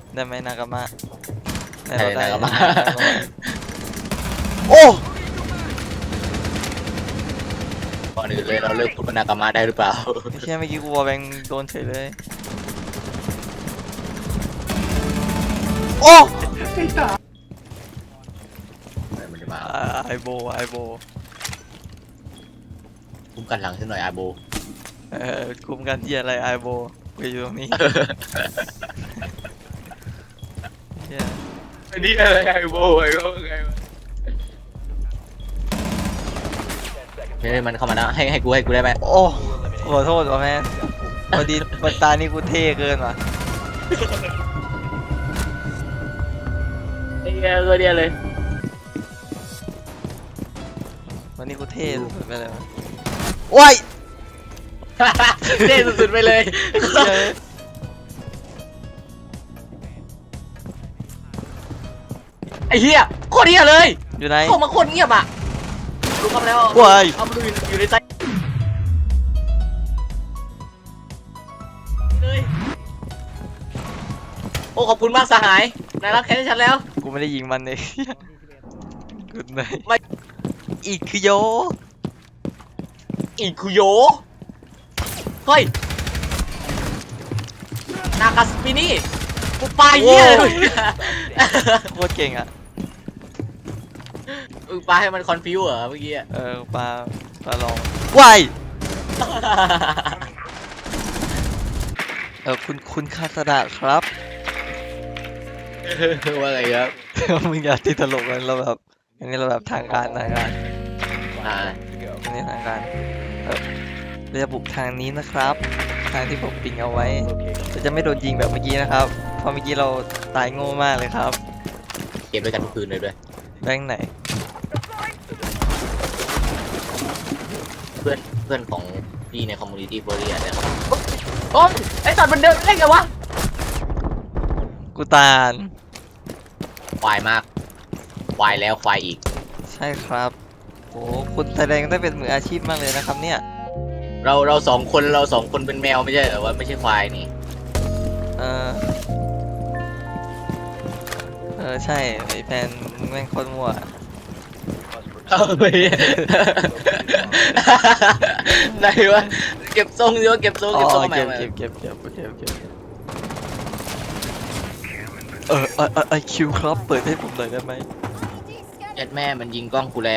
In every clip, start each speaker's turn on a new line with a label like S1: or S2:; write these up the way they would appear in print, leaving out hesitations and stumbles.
S1: ได้ไหมนากามะได้
S2: ใช่
S1: เราได้
S2: นากามะ
S1: โอ้
S2: ก่อนอื่นเลยเราเลิกพูดว่านากามะได้หรือเปล่า
S1: ไม่ใช่เมื่อกี้กูวอลแบงโดนเฉยเลยโอ้
S2: มันจะมา
S1: ไอโบ
S2: คุ้มกันหลังฉันหน่อยอาโบ
S1: คุมกันที่อะไรไอโบกูอยู่ตรงนี้เหี้ย
S2: อันนี้อะไรอาโบไอ้ก็ไงวะไม่มันเข้ามานะให้กูได้ไหม
S1: โอ้ขอโทษว่ะแม่พอดีวันตานี่กูเท่เกินว่ะ
S2: ไอ้เงี้ยก็เดียเลย
S1: วันนี้กูเท่สุดๆไปเลยวะว้าย
S2: เท่สุดๆไปเลย
S1: เย้
S2: ไอ้เหี้ยโคตรเหี้ยเลย
S1: อยู่ไหน
S2: เข้ามาโคตรเงียบอ่ะรู้เข้ามาแล้ว
S1: ว้าย
S2: เอามาดูอยู่ในใจเลยโอ้ขอบคุณมากสหายนายรับแค้นให้ฉันแล้ว
S1: กูไม่ได้ยิงมันเลยกูไหน
S2: ไม่
S1: อีกคือโย
S2: อีคุโยเฮ้ยนากาสปินี่กูปาเหี้ยเลย
S1: โคตรเก่งอ่ะ
S2: ปาให้มันคอนฟิวเหรอเมื่อกี้อะ
S1: ปลาลองว้ายคุณคาสดะครับ
S2: ว่าไงครับ
S1: มึงอย่าติดตลกกันเราแบบอันนี้เราแบบทางการ
S2: อ่า
S1: อันนี้ทางการเราจะบุกทางนี้นะครับ ทางที่ผมปิงเอาไว้เราจะไม่โดนยิงแบบเมื่อกี้นะครับเพราะเมื่อกี้เราตายโง่มากเลยครับ
S2: เก็บด้วยกันทุกคืนเลยด้วย
S1: แบงค์ไหน
S2: เพื่อนของพี่ในคอมมูนิตี้เฟอร์เรียเนี่ยครับโอ้ยไอ้สัตว์มันเดินเล่นไงวะ
S1: กูตาล
S2: ควายมากควายแล้วควายอีก
S1: ใช่ครับโอ้คุณแสดงได้เป็นมืออาชีพมากเลยนะครับเนี่ย
S2: เราสองคนเป็นแมวไม่ใช่เหรอว่าไม่ใช่ควายนี่
S1: ใช่ไอแฟนมึงแม่งโคตรมั่ว
S2: เอาไปไหนวะเก็บทรงดิวะเก็บทรง
S1: อ๋อ
S2: ใหม่
S1: เก็บไอคิวครับเปิดให้ผมหน่อยได้ไหม
S2: เอ็ดแม่มันยิงกล้องกูแล้ว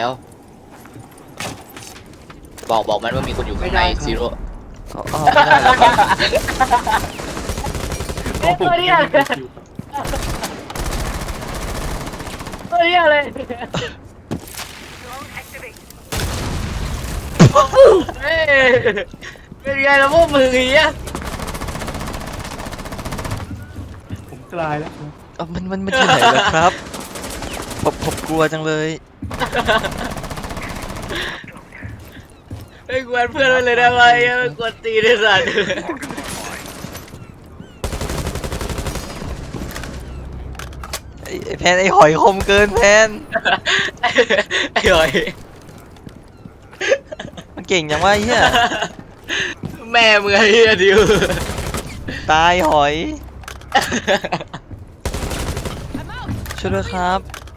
S2: บอกมันว่ามีคนอยู่ข้างในซีโร่
S1: อ๋อไม่ได้แล้วครับ
S2: ตัวนี้อะไรตัวนี้อะไรเฮ้ยเป็นไงล่ะพวกมึงอย่างเงี้ย
S3: ผมตายแล้ว
S1: มันที่ไหนล่ะครับผมกลัวจังเลย
S2: ไอ้กวนเพื่อนมันเลยได้ไหมกวนตีได้สัตว์
S1: ไอแพนไอหอยคมเกินแพน
S2: ไอ้หอย
S1: มันเก่งจังวะไอ้เหี้ย
S2: แม่มึงไอ้เหี้ยดิว
S1: ตายหอยช่วยด้วยครับ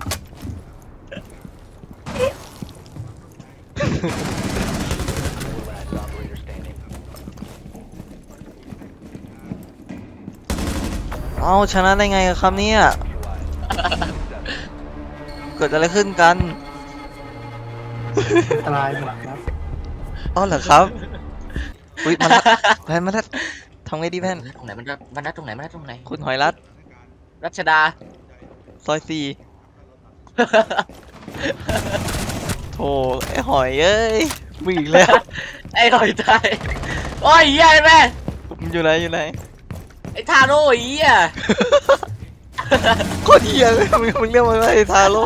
S1: เอาชนะได้ไงครับเนี่ยเกิดอะไรขึ้นกัน
S3: ตายหมดครับ
S1: อ๋อเหรอครับอุ้ยมันรัดแพนมันรัดทำไงดีแพน
S2: ตรงไหนมันรัดตรงไหนมันรัดตรงไหน
S1: คุณหอยรัด
S2: รัชดา
S1: ซอยสี่โธ่ไอหอยเอ้ยมึงอีกแล้ว
S2: ไอ้หอยตายโอ้ยเหี้ยแม่
S1: มันอยู่ไหน
S2: ไอ้ทาโร่เหี้ย
S1: โคตรเหี้ยเลยมึงเรียกมันว่าไอทาโร่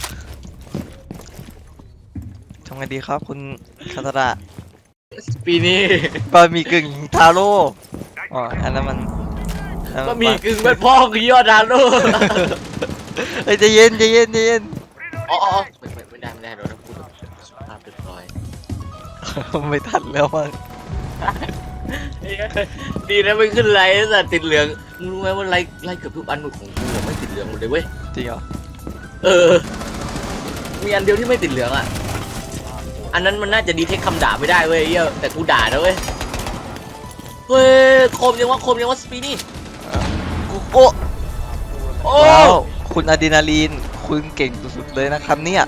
S1: ทำไงดีครับคุณคาตาระ
S2: ปีนี้
S1: บะหมี่กึ่งทาโร่อ๋ออันนั้นมัน
S2: ก็มีกึ่งเป็นพ่อคือยอดทาโร่
S1: เฮ้ยใจเย็น
S2: อ๋อไม่ได้เราต้องพูดแบบสุภาพเรียบร้อย
S1: ไม่ทันแล้วมั้ง
S2: ดีนะไม่ขึ้นไลน์แต่ติดเหลืองมึงรู้ไหมว่าไลน์เกือบทุกอันของกูไม่ติดเหลืองหมดเลยเว้ย
S1: จริงเหรอ
S2: เออมีอันเดียวที่ไม่ติดเหลืองอ่ะอันนั้นมันน่าจะดีเทคคำด่าไม่ได้เว้ยเหี้ยแต่กูด่านะเว้ยเฮ้ยคมยังว่าสปีนี่
S1: โอ้
S2: โอ้
S1: ว้าวคุณอะดรีนาลีนคุณเก่งสุดๆเลยนะครับเนี่ย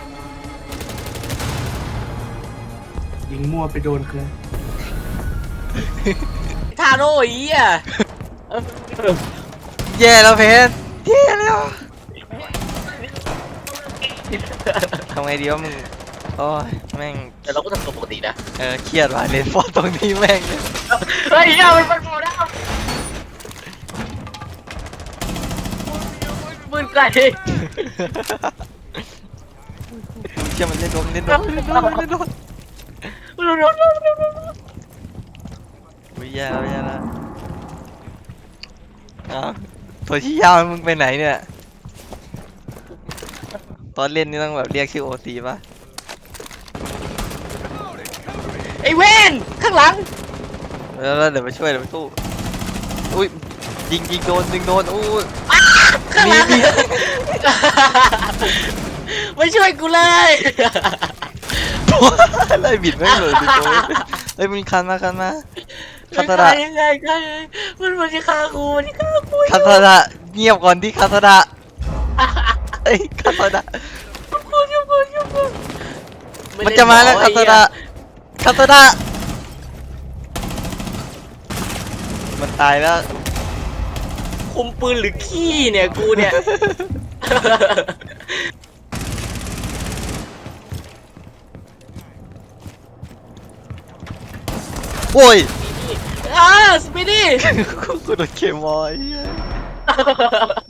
S3: ยิงมั่วไปโดนเครื่อง
S2: ทาโร่อีอ่ะ
S1: แย่แล้วเพนแย่แล้วทำไงดีวะมึงโอ้ยแม่ง
S2: แต่เราก็ทำตัวปกตินะ
S1: เครียดว่ะเลนฟอร์ตรงนี้แม่ง
S2: เฮ้ยเหี้ยมันโผล่ได้ปืนไกล
S1: เชื่อมันเล่นโดนเล่นโดนเล่นโดนเล่นโดนอุ้ยแย่แล้วแย่แล้วอ้าวตัวที่ยาวมึงไปไหนเนี่ยตอนเล่นนี่ต้องแบบเรียกชื่อโอซีป่ะ
S2: ไอ้เวนข้างหลัง
S1: แล้วเดี๋ยวไปช่วยเดี๋ยวไปสู้อุ้ยยิงโดนอู้
S2: ข้างหลัง
S1: มี
S2: ไม่ช่วยกูเลย
S1: ไล่บิดไม่งเลยดิโต้เฮ้ยมันคันมาคันตาดะ
S2: ยังไงมันจะฆ่ากูมันจะฆ่ากู
S1: คันตาดะเงียบก่อนที่คันตาดะเอ้ยคันตาดะมันจะมาแล้วคันตาดะมันตายแล้ว
S2: คุมปืนหรือขี้เนี่ยกูเนี่ย
S1: โอ้ย
S2: สปีดี้
S1: กูโดนเคมอลไอ้เหี้ย